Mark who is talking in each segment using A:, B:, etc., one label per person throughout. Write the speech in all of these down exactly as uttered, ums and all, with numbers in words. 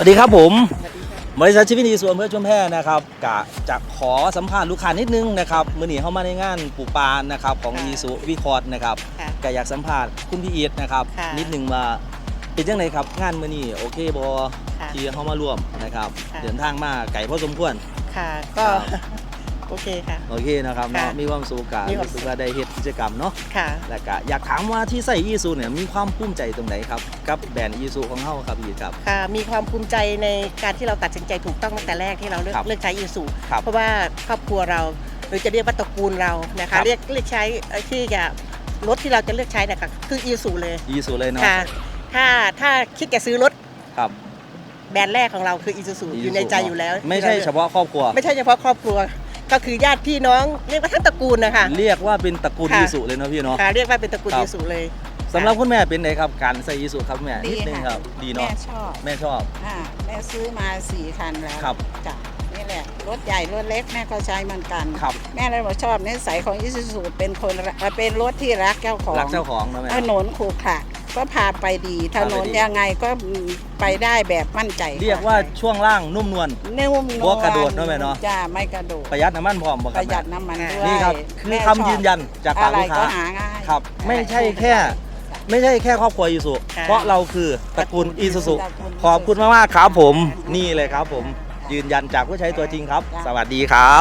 A: ดีครับผมบริษัทชีวิตดีส่วนเพื่อชุมแพนะครับกะจะขอสัมภาษณ์ลูกค้านิดนึงนะครับมื้อนี้เข้ามาในงานปลูกปานนะครับของอีสุวิคอร์ดนะครับกะอยากสัมภาษณ์คุณพี่อีทนะครับนิดนึงว่าเป็นยังไงครับงานมื้อนี้โอเคบอที่เข้ามาร่วมนะครับเดินทางมาไกลพอสมควร
B: ค่ะก็โอเคค่ะ
A: โอเคนะครับเนาะมีความสุขกันรู้สึกว่าได้เฮ็ดกิจกรรมเนาะค่ะแล้วก็อยากถามว่าที่ใส่อีซูเนี่ยมีความภูมิใจตรงไหนครับกับแบรนด์อีซูของเฮาครับพี่ครับ
B: ค่ะมีความภูมิใจในการที่เราตัดสินใจถูกต้องตั้งแต่แรกที่เราเลือกเลือกใช้อีซูเพราะว่าครอบครัวเราหรือจะเรียกว่าตระกูลเรานะคะเรียกเลือกใช้ที่จะรถที่เราจะเลือกใช้เนี่ยค่ะคืออีซูเลย
A: อีซูเลยเนาะ
B: ค่ะถ้าถ้าคิดจะซื้อรถ
A: ครับ
B: แบรนด์แรกของเราคืออีซูซูอยู่ในใจอยู่แล้ว
A: ไม่ใช่เฉพาะครอบครัว
B: ไม่ใช่เฉพาะครอบครัวก็คือญาติพี่น้องเรียกว่าทั้งตระกูลนะคะ
A: เรียกว่าเป็นตระกูลอีสุเลยเนาะพี่เนาะ
B: ค่ะเรียกว่าเป็นตระกูลอีสุเลย
A: สำหรับคุณแม่เป็นไงครับการใส่อีสุครับแม่นิดนึงครับดีเนาะ
C: แม่ชอบ
A: แม่ชอบ
C: อ่าแม่ซื้อมาสี่คันแล้ว
A: ครับ
C: จ้ะนี่แหละรถใหญ่รถเล็กแม่ก็ใช้เหมือนกัน
A: ครับ
C: แม่เลยบอกชอบนิสัยของอีซูซูเป็นคนเป็นรถที่รักเจ้าของ
A: รักเจ้าของนะแม่
C: ถนนขรุขระก็พาไปดีถนนยังไงก็ไปได้แบบมั่นใจ
A: เรียกว่าช่วงล่างนุ่มนวล
C: นุ่มนวล
A: กระโดดเนาะแม่เนาะ
C: จ้าไม่กระโดด
A: ประหยัดน้ำมันพร้อมบ่ครับ
C: ประหยัดน้ำมันด้วย
A: นี่ครับคือคำยืนยันจากปากลูกค้าครับไม่ใช่แค่ไม่ใช่แค่ครอบครัวอีซูเพราะเราคือตระกูลอีซูซูขอบคุณมากๆครับผมนี่เลยครับผมยืนยันจากผู้ใช้ตัวจริงครับสวัสดีครับ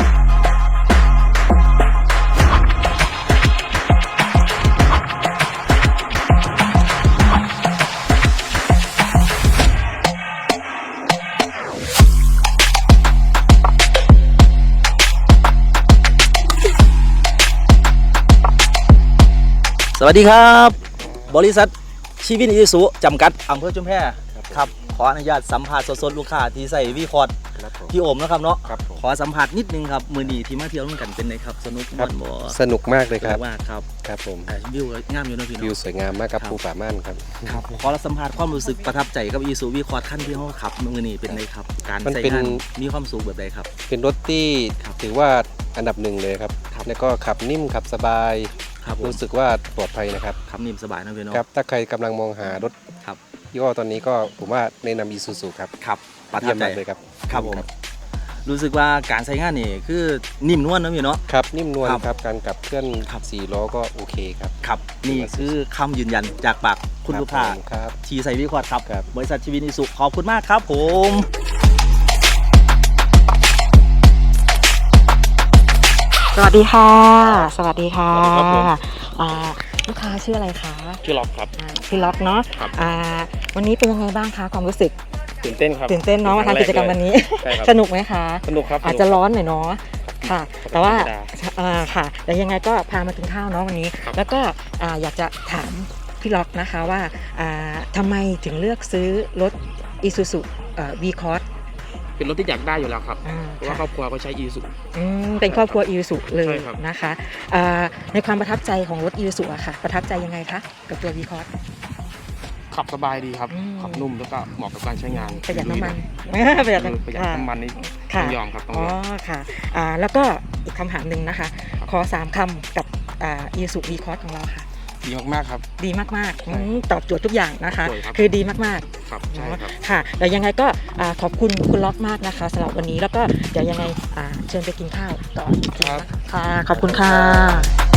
A: สวัสดีครับบริษัทชีวิตอีสุจำกัดอำเภอชุมแพครับขออนุญาตสัมภาษณ์สดๆลูกค้าที่ใส่วีคอร์ดพี่โอมนะครับเนาะขอสัมผัสนิดนึงครับมือนีที่มาเที่ยวร่วมกันเป็นไงครับสนุกมากบ่
D: สนุกมากเลยครับ
A: มากครับ
D: ครับผม
A: วิวงามอยู่นะพี่เนาะ
D: วิวสวยงามมากกับภูป่าม่านครับ
A: ครับขอสัมผัสความรู้สึกประทับใจกับอีสุวีคอร์ดขั้นที่เขาขับมือนีเป็นไงครับการใช้งานมีความสูงแบบใดครับ
D: เป็นรถที่ถือว่าอันดับหนึ่งเลยครับแล้วก็ขับนิ่มขับสบายรู้สึกว่าปลอดภัยนะครับ
A: ขับนิ่มสบายนะพี่เนาะ
D: ครับถ้าใครกำลังมองหารถ
A: ครับ
D: ยี่ห้อตอนนี้ก็ผมว่าแนะนำอีซูซูครับ
A: ครับประทับใจ
D: เลยครับ
A: ครับผมรู้สึกว่าการใช้งานนี่คือนิ่มนวลนะพี่เนาะ
D: ครับนิ่มนวลครับการขับเคลื่อนขับสี่ล้อก็โอเคครับ
A: ครับนี่คือคำยืนยันจากปากคุณลูกค้าทีใส่วิคอร์ดครับบริษัทชีวิตอีสุขอบคุณมากครับผม
E: สวัสดีค่ะสวัสดีค่ะลูกค้าชื่ออะไรคะ
F: ชื่อล็อกครับ
E: ชื่อล็อกเนาะวันนี้เป็นยังไงบ้างคะความรู้สึก
F: ตื่นเต้นครับ
E: ตื่นเต้นเนาะมาทำกิจกรรมวันนี้สนุกไหมคะ
F: สนุกครับ
E: อาจจะร้อนหน่อยเนาะค่ะแต่ว่าค่ะแต่ยังไงก็พามากินข้าวเนาะวันนี้แล้วก็อยากจะถามพี่ล็อกนะคะว่าทำไมถึงเลือกซื้อรถ Isuzu V-Cross
F: เป็นรถที่อยากได้อยู่แล้วครับเพราะว่าครอบครัวก็ใช้อีซู
E: เป็นครอบครัวอีซูเลยนะคะในความประทับใจของรถอีซูอะค่ะประทับใจยังไงคะกับตัววีคอร์ส
F: ขับสบายดีครับขับนุ่มแล้วก็เหมาะกับการใช้งาน
E: ประหยัดน้ำมัน
F: ประหยัดประหยัดน้ำมันนี่ต้องยอมครับต้องยอม
E: อ๋อค่ะแล้วก็อีกคำถามหนึ่งนะคะขอสามคำกับอีซูวีคอร์สของเราค่ะ
F: ดีมากๆครับ
E: ดีมากๆตอบโจทย์ทุกอย่างนะคะคือดีมาก
F: ๆครับใช่ครับ
E: ค่ะแต่ยังไงก็ขอบคุณคุณล็อกมากนะคะสำหรับวันนี้แล้วก็เดี๋ยวยังไงเชิญไปกินข้าวต่อค่ะขอบคุณค่ะ